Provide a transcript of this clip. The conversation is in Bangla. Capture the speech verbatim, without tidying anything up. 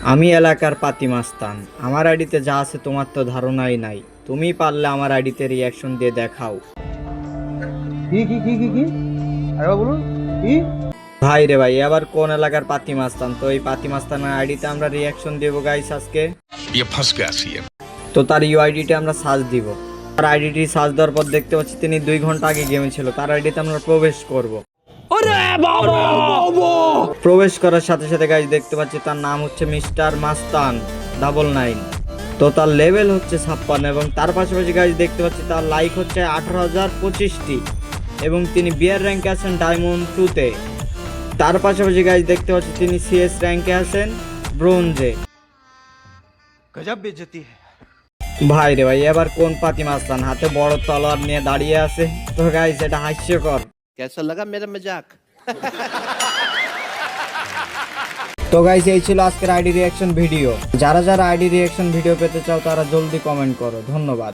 আমি এলাকার পাতি মাস্তান, আমার আইডিতে যা আছে তোমার তো ধারণাই নাই। তুমি পারলে আমার আইডিতে রিয়াকশন দিয়ে দেখাও। কি কি কি কি কি আরেকবার বলুন কি? ভাই রে ভাই, এবার কোন এলাকার পাতি মাস্তান? তো এই পাতি মাস্তানের আইডিতে আমরা রিয়াকশন দেবো গাইস আজকে। ये फंस गया सीएम। তো তার ইউআইডিতে আমরা সার্চ দিব। তার আইডিটি সার্চ দেওয়ার পর দেখতে পাচ্ছি তিনি দুই ঘন্টা আগে গেমে ছিল। তার আইডিতে আমরা প্রবেশ করব। প্রবেশ করার সাথে সাথে গাইস দেখতে পাচ্ছি তার নাম হচ্ছে মিস্টার মাস্তান ডাবল নাইন। তো তার লেভেল হচ্ছে ছাপ্পান্ন এবং তার পাশাপাশি গাইস দেখতে পাচ্ছি তার লাইক হচ্ছে আঠারো হাজার পঁচিশটি এবং তিনি বিয়ার র্যাঙ্কে আছেন ডায়মন্ড টুতে। তার পাশাপাশি গাইস দেখতে পাচ্ছি তিনি সিএস র্যাঙ্কে আছেন ব্রোঞ্জে। গজব বেইজ্জতি है। ভাই রে ভাই, এবার কোন পাতি মাস্তান হাতে বড় তলোয়ার নিয়ে দাঁড়িয়ে আছে? তো গাইস এটা হাস্যকর। कैसा लगा मेरा मजाक? তো গাইস এই ছিল আজকের আইডি রিয়াকশন ভিডিও। যারা যারা আইডি রিয়াকশন ভিডিও পেতে চাও তারা জলদি কমেন্ট করো। ধন্যবাদ।